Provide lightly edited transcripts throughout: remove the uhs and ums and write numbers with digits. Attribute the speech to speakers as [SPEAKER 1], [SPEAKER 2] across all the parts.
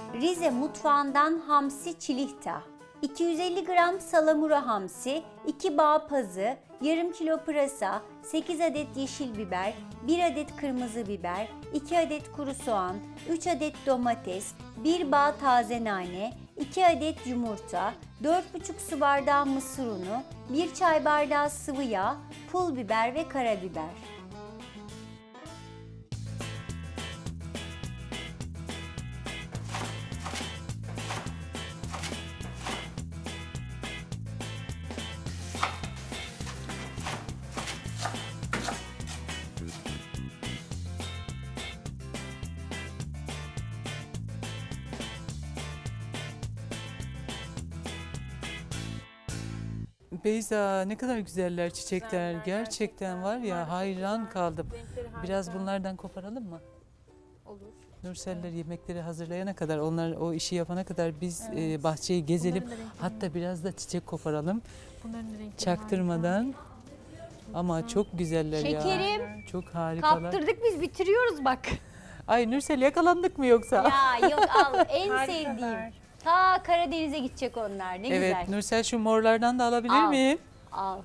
[SPEAKER 1] Rize mutfağından hamsi çilihta. 250 gram salamura hamsi, 2 bağ pazı, yarım kilo pırasa, 8 adet yeşil biber, 1 adet kırmızı biber, 2 adet kuru soğan, 3 adet domates, 1 bağ taze nane, 2 adet yumurta, 4,5 su bardağı mısır unu, 1 çay bardağı sıvı yağ, pul biber ve karabiber.
[SPEAKER 2] Beyza, ne kadar güzeller çiçekler. Gerçekten var ya, hayran kaldım. Biraz bunlardan koparalım mı?
[SPEAKER 3] Olur.
[SPEAKER 2] Nurseller yemekleri hazırlayana kadar, onlar o işi yapana kadar biz bahçeyi gezelim. Hatta biraz da çiçek koparalım.
[SPEAKER 3] Bunların da renkleri
[SPEAKER 2] Çaktırmadan. Ama çok güzeller ya.
[SPEAKER 1] Şekerim,
[SPEAKER 2] Çok harikalar.
[SPEAKER 1] kaptırdık biz, bitiriyoruz bak.
[SPEAKER 2] Ay Nursel, yakalandık mı yoksa?
[SPEAKER 1] Ya yok, al en
[SPEAKER 3] Harikalar.
[SPEAKER 1] sevdiğim. Ta Karadeniz'e gidecek onlar, ne
[SPEAKER 2] Evet
[SPEAKER 1] güzel.
[SPEAKER 2] Nursel, şu morlardan da alabilir
[SPEAKER 1] Al.
[SPEAKER 2] miyim?
[SPEAKER 1] Al.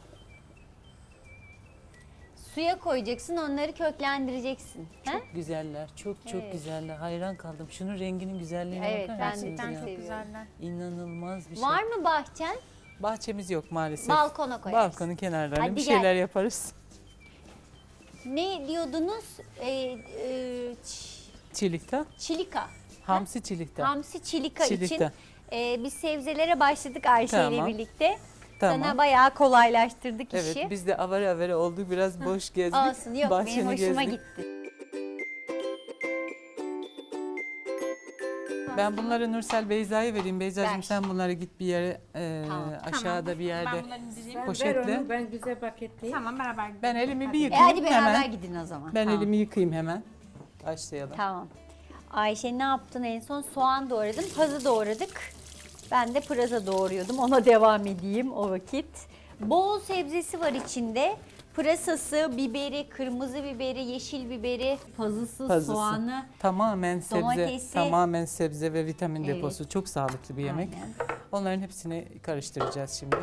[SPEAKER 1] Suya koyacaksın, onları köklendireceksin. He?
[SPEAKER 2] Çok güzeller, çok
[SPEAKER 1] Evet.
[SPEAKER 2] güzeller. Hayran kaldım. Şunun renginin güzelliğine
[SPEAKER 1] Evet,
[SPEAKER 2] bakar
[SPEAKER 1] ben
[SPEAKER 2] mısınız
[SPEAKER 1] de
[SPEAKER 2] ya?
[SPEAKER 3] Gerçekten çok
[SPEAKER 1] seviyorum.
[SPEAKER 3] güzeller.
[SPEAKER 2] İnanılmaz bir şey.
[SPEAKER 1] Var mı bahçen?
[SPEAKER 2] Bahçemiz yok maalesef.
[SPEAKER 1] Balkona koyarsın.
[SPEAKER 2] Balkonun kenarlarına
[SPEAKER 1] Hadi
[SPEAKER 2] bir
[SPEAKER 1] gel.
[SPEAKER 2] şeyler yaparız.
[SPEAKER 1] Ne diyordunuz?
[SPEAKER 2] Çilikta,
[SPEAKER 1] Çilika.
[SPEAKER 2] hamsi çilikta.
[SPEAKER 1] Hamsi çilika için
[SPEAKER 2] Çilikta.
[SPEAKER 1] biz sebzelere başladık Ayşe ile
[SPEAKER 2] Tamam.
[SPEAKER 1] birlikte.
[SPEAKER 2] Tamam.
[SPEAKER 1] Sana bayağı kolaylaştırdık
[SPEAKER 2] Evet,
[SPEAKER 1] işi.
[SPEAKER 2] biz de avare avare olduk, biraz boş gezdik.
[SPEAKER 1] Olsun, yok benim
[SPEAKER 2] bahçeni
[SPEAKER 1] hoşuma
[SPEAKER 2] gezdik.
[SPEAKER 1] gitti.
[SPEAKER 2] Ben bunları Nursel Beyza'ya vereyim. Beyza'cığım
[SPEAKER 1] Ver.
[SPEAKER 2] sen bunları git bir yere,
[SPEAKER 1] Tamam.
[SPEAKER 2] aşağıda bir yerde.
[SPEAKER 3] Ben bunları indireyim.
[SPEAKER 2] Poşetle.
[SPEAKER 4] Ver onu, ben güzel paketleyeyim.
[SPEAKER 3] Tamam, beraber gidelim.
[SPEAKER 2] Ben elimi bir
[SPEAKER 1] E
[SPEAKER 2] yıkayayım
[SPEAKER 1] hadi beraber
[SPEAKER 2] hemen.
[SPEAKER 1] gidin o zaman.
[SPEAKER 2] Ben
[SPEAKER 1] Tamam.
[SPEAKER 2] elimi yıkayayım hemen. Başlayalım.
[SPEAKER 1] Tamam. Ayşe ne yaptın en son? Soğan doğradım, pazı doğradık. Ben de pırasa doğruyordum. Ona devam edeyim o vakit. Bol sebzesi var içinde. Pırasası, biberi, kırmızı biberi, yeşil biberi, pazısı,
[SPEAKER 2] Pazısı.
[SPEAKER 1] soğanı.
[SPEAKER 2] Tamamen sebze,
[SPEAKER 1] Domatesi.
[SPEAKER 2] tamamen sebze ve vitamin
[SPEAKER 1] Evet.
[SPEAKER 2] deposu. Çok sağlıklı bir yemek.
[SPEAKER 1] Aynen.
[SPEAKER 2] Onların hepsini karıştıracağız şimdi.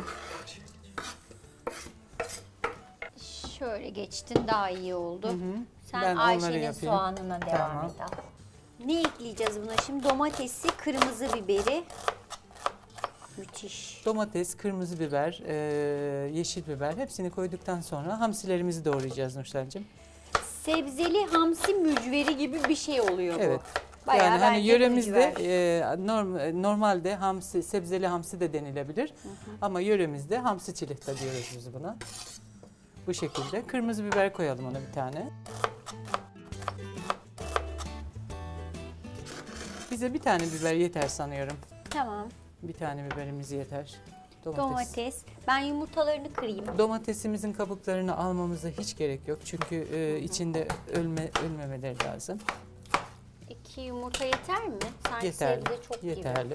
[SPEAKER 1] Şöyle geçtin, daha iyi oldu. Sen
[SPEAKER 2] Ben onları
[SPEAKER 1] Ayşe'nin
[SPEAKER 2] yapayım.
[SPEAKER 1] soğanına devam
[SPEAKER 2] Tamam.
[SPEAKER 1] et. al. Ne ekleyeceğiz buna şimdi? Domatesi, kırmızı biberi. Müthiş.
[SPEAKER 2] Domates, kırmızı biber, yeşil biber hepsini koyduktan sonra hamsilerimizi doğrayacağız Nursel'cim.
[SPEAKER 1] Sebzeli hamsi mücveri gibi bir şey oluyor bu.
[SPEAKER 2] Evet.
[SPEAKER 1] Bayağı
[SPEAKER 2] Yani hani
[SPEAKER 1] bence
[SPEAKER 2] yöremizde
[SPEAKER 1] mücver.
[SPEAKER 2] normalde hamsi, sebzeli hamsi de denilebilir. Ama yöremizde hamsi çilekta diyoruz biz buna. Bu şekilde. Kırmızı biber koyalım ona bir tane. Bize bir tane biber yeter sanıyorum.
[SPEAKER 1] Tamam.
[SPEAKER 2] Bir tane biberimiz yeter.
[SPEAKER 1] Domates. Ben yumurtalarını kırayım.
[SPEAKER 2] Domatesimizin kabuklarını almamıza hiç gerek yok. Çünkü içinde ölmemeleri lazım.
[SPEAKER 1] 2 yumurta yeter mi? Sanki
[SPEAKER 2] Yeterli.
[SPEAKER 1] sebze çok gibi.
[SPEAKER 2] Yeterli.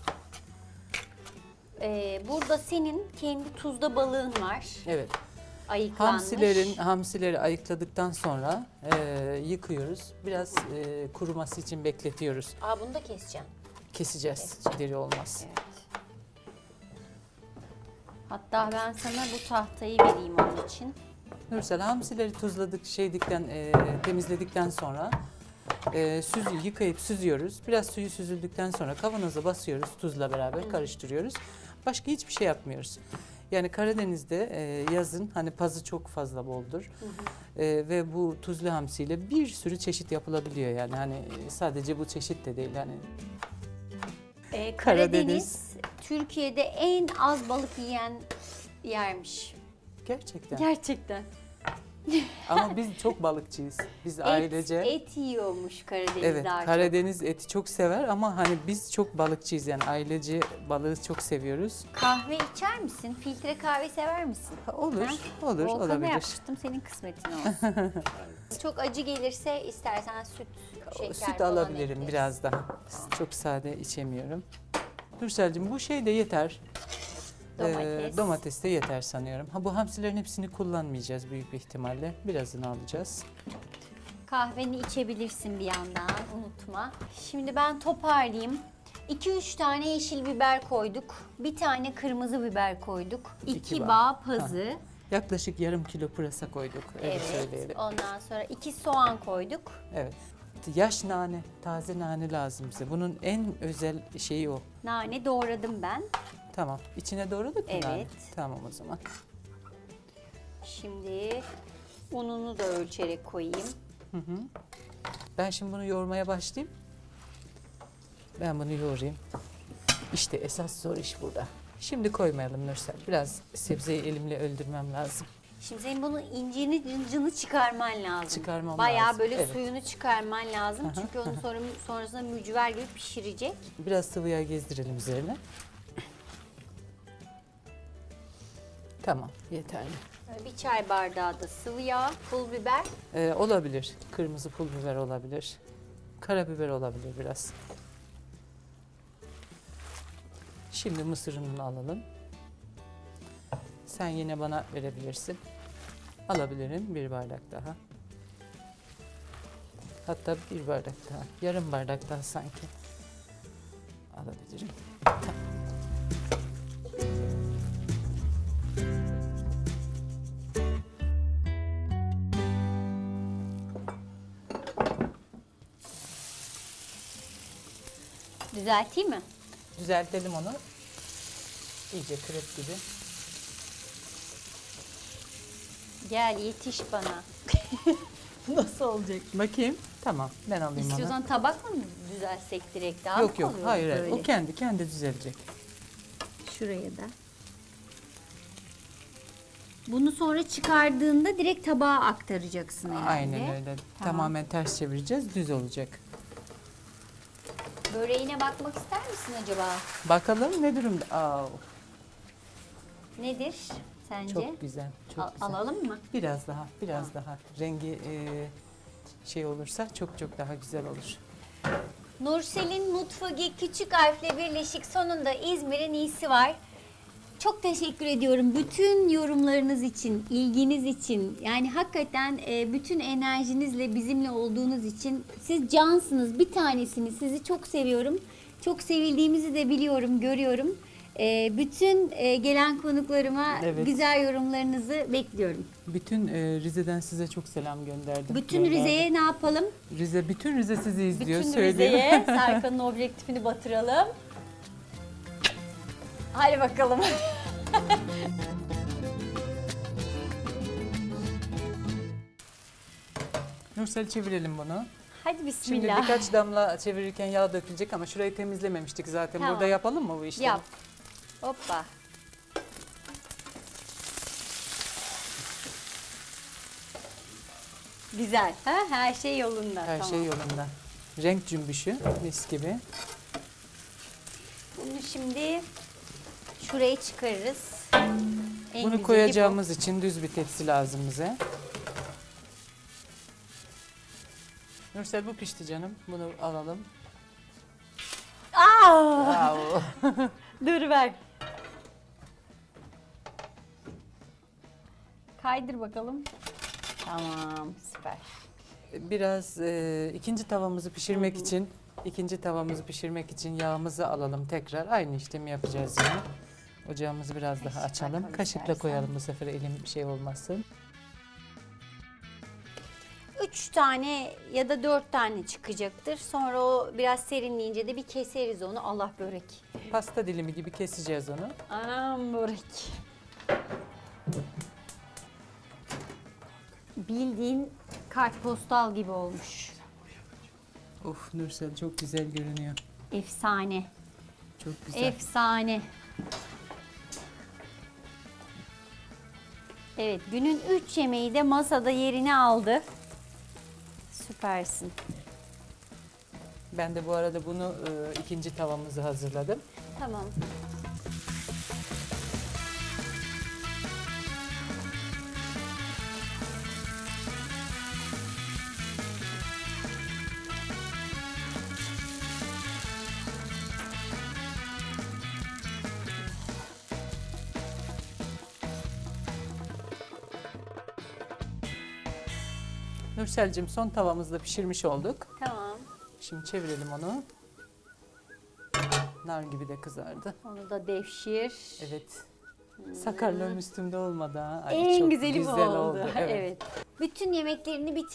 [SPEAKER 1] Burada senin kendi tuzda balığın var.
[SPEAKER 2] Evet.
[SPEAKER 1] Ayıklanmış.
[SPEAKER 2] Hamsileri ayıkladıktan sonra yıkıyoruz. Biraz kuruması için bekletiyoruz.
[SPEAKER 1] Aa, bunu da keseceğim.
[SPEAKER 2] Keseceğiz. Deri olmaz.
[SPEAKER 1] Evet. Hatta ben sana bu tahtayı vereyim onun için.
[SPEAKER 2] Nursel, hamsileri tuzladık, temizledikten sonra yıkayıp süzüyoruz. Biraz suyu süzüldükten sonra kavanoza basıyoruz, tuzla beraber karıştırıyoruz. Başka hiçbir şey yapmıyoruz. Yani Karadeniz'de yazın hani pazı çok fazla boldur. Ve bu tuzlu hamsiyle bir sürü çeşit yapılabiliyor yani hani sadece bu çeşit de değil hani.
[SPEAKER 1] Karadeniz Türkiye'de en az balık yiyen yermiş.
[SPEAKER 2] Gerçekten.
[SPEAKER 1] Gerçekten.
[SPEAKER 2] Ama biz çok balıkçıyız. Biz ailece.
[SPEAKER 1] Et yiyormuş Karadeniz
[SPEAKER 2] Evet,
[SPEAKER 1] daha çok.
[SPEAKER 2] Karadeniz eti çok sever ama hani biz çok balıkçıyız yani ailece balığı çok seviyoruz.
[SPEAKER 1] Kahve içer misin? Filtre kahve sever misin?
[SPEAKER 2] Olur,
[SPEAKER 1] Ha?
[SPEAKER 2] olur,
[SPEAKER 1] Volkan'a
[SPEAKER 2] olabilir.
[SPEAKER 1] yapmıştım, senin kısmetin olsun. Çok acı gelirse istersen süt, şeker
[SPEAKER 2] Süt
[SPEAKER 1] falan
[SPEAKER 2] alabilirim
[SPEAKER 1] ekleriz.
[SPEAKER 2] biraz daha. Çok sade içemiyorum. Nursel'cim bu şey de yeter.
[SPEAKER 1] Domates.
[SPEAKER 2] Domates de yeter sanıyorum. Ha, bu hamsilerin hepsini kullanmayacağız büyük bir ihtimalle. Birazını alacağız.
[SPEAKER 1] Kahveni içebilirsin bir yandan, unutma. Şimdi ben toparlayayım. 2-3 tane yeşil biber koyduk. Bir tane kırmızı biber koyduk. 2
[SPEAKER 2] bağ.
[SPEAKER 1] bağ pazı.
[SPEAKER 2] Yaklaşık yarım kilo pırasa koyduk. Öyle
[SPEAKER 1] Evet.
[SPEAKER 2] söyleyelim.
[SPEAKER 1] Ondan sonra 2 soğan koyduk.
[SPEAKER 2] Evet. Yaş nane, taze nane lazım bize. Bunun en özel şeyi o.
[SPEAKER 1] Nane doğradım ben.
[SPEAKER 2] Tamam. İçine doğradık mı nane?
[SPEAKER 1] Evet.
[SPEAKER 2] Tamam o zaman.
[SPEAKER 1] Şimdi ununu da ölçerek koyayım.
[SPEAKER 2] Ben şimdi bunu yoğurmaya başlayayım. Ben bunu yoğurayım. İşte esas zor iş burada. Şimdi koymayalım Nursel. Biraz sebzeyi elimle öldürmem lazım.
[SPEAKER 1] Şimdi senin bunun incini cıncını çıkarman lazım.
[SPEAKER 2] Çıkarmam
[SPEAKER 1] Bayağı
[SPEAKER 2] lazım,
[SPEAKER 1] böyle
[SPEAKER 2] evet.
[SPEAKER 1] suyunu çıkarman lazım. Çünkü onu sonrasında mücver gibi pişirecek.
[SPEAKER 2] Biraz sıvı yağ gezdirelim üzerine. Tamam, yeterli.
[SPEAKER 1] Bir çay bardağı da sıvı yağ, pul biber.
[SPEAKER 2] Olabilir. Kırmızı pul biber olabilir. Karabiber olabilir biraz. Şimdi mısır ununu alalım. Sen yine bana verebilirsin. Alabilirim bir bardak daha. Hatta bir bardak daha. Yarım bardak daha sanki. Alabilirim.
[SPEAKER 1] Düzelteyim mi?
[SPEAKER 2] Düzeltelim onu. İyice krep gibi.
[SPEAKER 1] Gel yetiş bana. Nasıl olacak?
[SPEAKER 2] Bakayım. Tamam, ben alayım onu.
[SPEAKER 1] İstiyorsan tabakla mı düzeltsek direkt daha
[SPEAKER 2] Yok
[SPEAKER 1] mı
[SPEAKER 2] yok,
[SPEAKER 1] oluyor
[SPEAKER 2] hayır, hayır.
[SPEAKER 1] böyle?
[SPEAKER 2] O kendi düzelecek.
[SPEAKER 1] Şuraya da. Bunu sonra çıkardığında direkt tabağa aktaracaksın herhalde.
[SPEAKER 2] Aynen öyle. Tamamen ters çevireceğiz, düz olacak.
[SPEAKER 1] Böreğine bakmak ister misin acaba?
[SPEAKER 2] Bakalım ne durumda? Aa,
[SPEAKER 1] Nedir sence?
[SPEAKER 2] çok güzel, çok güzel.
[SPEAKER 1] Alalım mı?
[SPEAKER 2] Biraz daha. Rengi şey olursa çok daha güzel olur.
[SPEAKER 1] Nursel'in Mutfağı küçük harfle birleşik sonunda İzmir'in iyisi var. Çok teşekkür ediyorum bütün yorumlarınız için, ilginiz için. Yani hakikaten bütün enerjinizle bizimle olduğunuz için siz cansınız, bir tanesiniz. Sizi çok seviyorum. Çok sevildiğimizi de biliyorum, görüyorum. Bütün gelen konuklarıma
[SPEAKER 2] Evet.
[SPEAKER 1] güzel yorumlarınızı bekliyorum.
[SPEAKER 2] Bütün Rize'den size çok selam gönderdim.
[SPEAKER 1] Bütün Rize'ye ne yapalım?
[SPEAKER 2] Bütün Rize sizi izliyor,
[SPEAKER 1] Bütün
[SPEAKER 2] söyleyeyim.
[SPEAKER 1] Rize'ye Serkan'ın objektifini batıralım. Hadi bakalım.
[SPEAKER 2] Nursel çevirelim bunu.
[SPEAKER 1] Hadi
[SPEAKER 2] Şimdi
[SPEAKER 1] bismillah.
[SPEAKER 2] birkaç damla çevirirken yağ dökülecek ama şurayı temizlememiştik zaten.
[SPEAKER 1] Tamam.
[SPEAKER 2] Burada yapalım mı bu işlemi?
[SPEAKER 1] Yap. Hoppa. Güzel. Ha? Her şey yolunda.
[SPEAKER 2] Her
[SPEAKER 1] tamam.
[SPEAKER 2] şey yolunda. Renk cümbüşü, mis gibi.
[SPEAKER 1] Bunu şimdi şuraya çıkarırız. En
[SPEAKER 2] Bunu
[SPEAKER 1] güzeli
[SPEAKER 2] koyacağımız için düz bir tepsi lazım bize. Nursel bu pişti canım. Bunu alalım.
[SPEAKER 1] bu. Aa!
[SPEAKER 2] Bravo.
[SPEAKER 1] Dur ver. Kaydır bakalım. Tamam, süper.
[SPEAKER 2] Biraz ikinci tavamızı pişirmek için yağımızı alalım tekrar. Aynı işlemi yapacağız yine. Ocağımızı biraz daha
[SPEAKER 1] Kaşıkla
[SPEAKER 2] açalım.
[SPEAKER 1] koy
[SPEAKER 2] Kaşıkla
[SPEAKER 1] istersen.
[SPEAKER 2] koyalım bu sefer, elim bir şey olmasın.
[SPEAKER 1] 3 tane ya da 4 tane çıkacaktır. Sonra o biraz serinleyince de bir keseriz onu. Allah börek.
[SPEAKER 2] Pasta dilimi gibi keseceğiz onu.
[SPEAKER 1] Anam börek. Bildiğin kartpostal gibi olmuş.
[SPEAKER 2] Of Nursel çok güzel görünüyor.
[SPEAKER 1] Efsane.
[SPEAKER 2] Çok güzel.
[SPEAKER 1] Efsane. Evet, günün 3 yemeği de masada yerini aldı. Süpersin.
[SPEAKER 2] Ben de bu arada bunu ikinci tavamızı hazırladım.
[SPEAKER 1] Tamam.
[SPEAKER 2] Nursel'cim son tavamızda pişirmiş olduk.
[SPEAKER 1] Tamam.
[SPEAKER 2] Şimdi çevirelim onu. nar gibi de kızardı.
[SPEAKER 1] Onu da devşir.
[SPEAKER 2] Evet. Sakarlığım üstümde olmadı ha. Ay,
[SPEAKER 1] En
[SPEAKER 2] çok
[SPEAKER 1] güzeli bu
[SPEAKER 2] güzel
[SPEAKER 1] oldu.
[SPEAKER 2] Evet.
[SPEAKER 1] Evet. Bütün yemeklerini